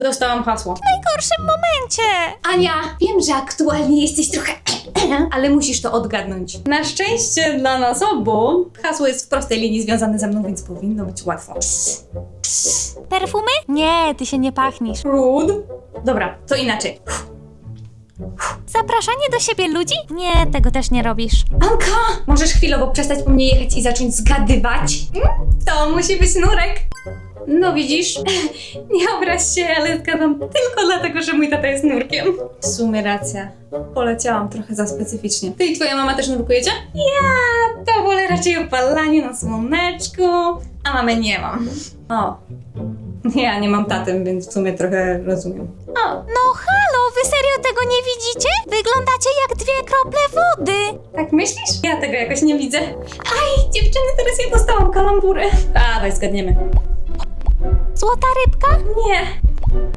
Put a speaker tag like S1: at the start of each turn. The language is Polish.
S1: Dostałam hasło.
S2: W najgorszym momencie.
S1: Ania, wiem, że aktualnie jesteś trochę ale musisz to odgadnąć. Na szczęście dla nas obu hasło jest w prostej linii związane ze mną, więc powinno być łatwo.
S2: Perfumy? Nie, ty się nie pachnisz.
S1: Rude. Dobra, to inaczej.
S2: Zapraszanie do siebie ludzi? Nie, tego też nie robisz.
S1: Anka, możesz chwilowo przestać po mnie jechać i zacząć zgadywać? To musi być nurek. No widzisz, nie obraź się, ale zgadzam tylko dlatego, że mój tata jest nurkiem. W sumie racja, poleciałam trochę za specyficznie. Ty i twoja mama też nurkujecie? Ja to wolę raczej opalanie na słoneczku, a mamy nie mam. O, ja nie mam taty, więc w sumie trochę rozumiem. O,
S2: No halo, wy serio tego nie widzicie? Wyglądacie jak 2 krople wody.
S1: tak myślisz? Ja tego jakoś nie widzę. Aj, dziewczyny, teraz ja dostałam kalamburę. Dawaj, zgadniemy.
S2: Złota rybka?
S1: Nie,